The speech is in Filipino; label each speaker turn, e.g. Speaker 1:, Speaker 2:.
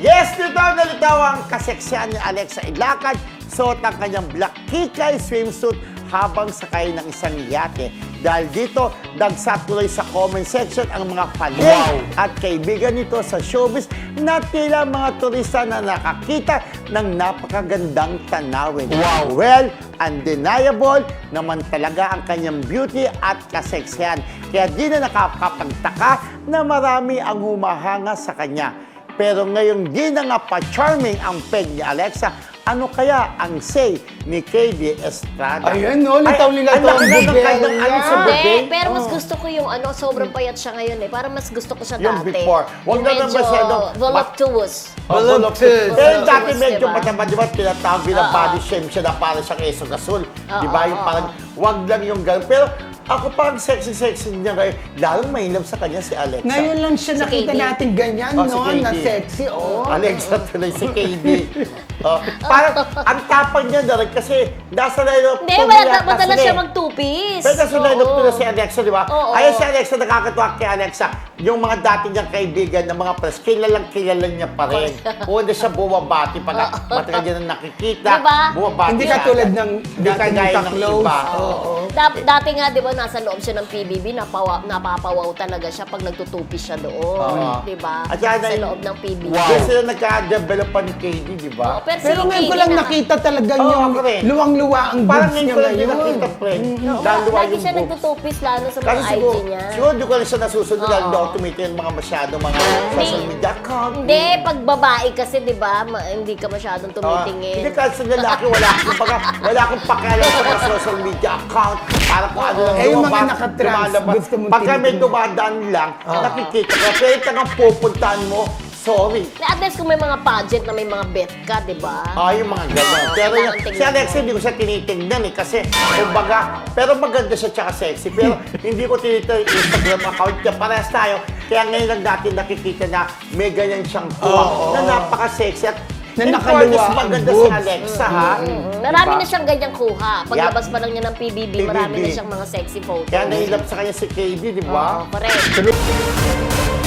Speaker 1: Yes, nalitaw ang kaseksyan ni Alexa Ilacad. Suot ang kanyang black kikay swimsuit habang sakay ng isang yate. Dahil dito, dagsa tuloy sa comment section ang mga fanay at kaibigan nito sa showbiz na tila mga turista na nakakita ng napakagandang tanawin.
Speaker 2: Wow!
Speaker 1: Well, undeniable naman talaga ang kanyang beauty at kaseksyan. Kaya di na nakakapagtaka na marami ang humahanga sa kanya. Pero ngayong di na nga pa-charming ang peg ni Alexa, ano kaya ang say ni KD Estrada?
Speaker 2: Ayun, no? Litaw-litaw ang bibig niya.
Speaker 3: Hindi, pero mas gusto ko yung sobrang payat siya ngayon eh. Parang mas gusto ko siya
Speaker 1: Yung
Speaker 3: dati.
Speaker 1: before. Huwag na naman masyadong
Speaker 3: voluptuous.
Speaker 1: Pero
Speaker 2: Voluptuous.
Speaker 1: dati
Speaker 3: Voluptuous,
Speaker 1: medyo
Speaker 3: diba?
Speaker 1: mataba, di ba? Tinatawag na body shame siya na parang siyang Eso Gasol. Di ba? Yung parang, wag lang yung gano'n. Pero ako parang sexy-sexy niya ngayon. Lalong mainlove sa kanya si Alexa.
Speaker 2: Ngayon lang siya
Speaker 3: Si
Speaker 2: nakita
Speaker 3: KD.
Speaker 2: natin ganyan,
Speaker 1: Oh, si
Speaker 2: no?
Speaker 1: KD.
Speaker 2: Na sexy, oh.
Speaker 1: Alexa tuloy si KD. Parang ang tapang niya na rin kasi nasa line-up
Speaker 3: Hindi,
Speaker 1: two
Speaker 3: wala
Speaker 1: yata
Speaker 3: dapat na
Speaker 1: sila
Speaker 3: siya
Speaker 1: eh.
Speaker 3: mag-two-piece.
Speaker 1: Pero nasa line-up
Speaker 3: Oo.
Speaker 1: to na si Alexa, di ba?
Speaker 3: Oo.
Speaker 1: Ayun si Alexa, nakakatuwa kay Alexa. Yung mga dati niyang kaibigan ng mga press, kilala niya pa rin. Una siya bumabati pag matagal niya na nakikita.
Speaker 3: Diba?
Speaker 1: Bumabati
Speaker 2: Hindi
Speaker 1: siya.
Speaker 2: katulad ng
Speaker 1: Hindi
Speaker 2: dati
Speaker 1: kagaya
Speaker 2: ng
Speaker 1: ng
Speaker 2: close.
Speaker 1: iba.
Speaker 2: Oo.
Speaker 3: Dati nga, di ba, nasa loob siya ng PBB, napapawaw talaga siya pag nagtutupis siya doon.
Speaker 1: Oo.
Speaker 3: Di ba?
Speaker 1: At saka
Speaker 3: Sa
Speaker 1: na-
Speaker 3: loob ng PBB.
Speaker 1: Wow. Kasi sila nagka-develop pa ni KD, di ba?
Speaker 3: Oo, pero
Speaker 2: Pero
Speaker 3: si
Speaker 2: ngayon ko
Speaker 3: KD
Speaker 2: lang
Speaker 3: naman,
Speaker 2: nakita talaga
Speaker 1: Oo,
Speaker 2: yung
Speaker 1: ako rin.
Speaker 2: luwang-luwa ang
Speaker 1: Parang
Speaker 2: boobs
Speaker 1: ngayon
Speaker 2: niya
Speaker 1: ko lang din
Speaker 2: ngayon.
Speaker 1: nakita, friend.
Speaker 3: Oo,
Speaker 1: Lalo
Speaker 3: lagi
Speaker 1: yung
Speaker 3: siya
Speaker 1: boobs.
Speaker 3: nagtutupis lalo sa
Speaker 1: Kasi
Speaker 3: mga IG
Speaker 1: siguro,
Speaker 3: niya.
Speaker 1: siguro di ko rin siya nasusunod dahil
Speaker 3: Oo.
Speaker 1: hindi ako tumitingin mga masyado mga social media account.
Speaker 3: Hindi, pag babae kasi, di ba, hindi ka masyadong tumitingin.
Speaker 1: Hindi kasi sa lalaki, wala akong pakialam sa mga social media account. Para kung ano lang
Speaker 2: Eh, yung mga
Speaker 1: lumabas,
Speaker 2: nakatrans,
Speaker 1: lumalabas.
Speaker 2: gusto mong
Speaker 1: Pagka may
Speaker 2: tinitingnan.
Speaker 1: dumadaan lang, nakikita ka. Pero ito nga pupuntahan mo, sorry.
Speaker 3: At least kung may mga pageant na may mga bet ka, di ba?
Speaker 1: Yung mga gano'n.
Speaker 3: Oo,
Speaker 1: Pero
Speaker 3: kailangan
Speaker 1: si
Speaker 3: tingnan
Speaker 1: Alexa,
Speaker 3: mo.
Speaker 1: hindi ko siya tinitingnan eh. Kasi, kumbaga, pero maganda siya tsaka sexy. Pero hindi ko tinitingnan yung Instagram account niya. Parehas tayo. Kaya ngayon lang natin nakikita na may ganyan siyang tuwa na napaka-sexy. At
Speaker 2: Na
Speaker 1: in
Speaker 2: nakaluwa
Speaker 1: fairness,
Speaker 2: ang
Speaker 1: maganda si
Speaker 2: boobs.
Speaker 1: Alexa, ha?
Speaker 3: Marami
Speaker 1: Diba?
Speaker 3: na siyang ganyang kuha. Paglabas pa lang niya ng PBB, marami
Speaker 1: PBB.
Speaker 3: na siyang mga sexy photos.
Speaker 1: Kaya nahilap sa kanya si KD, di ba?
Speaker 3: Oo, correct.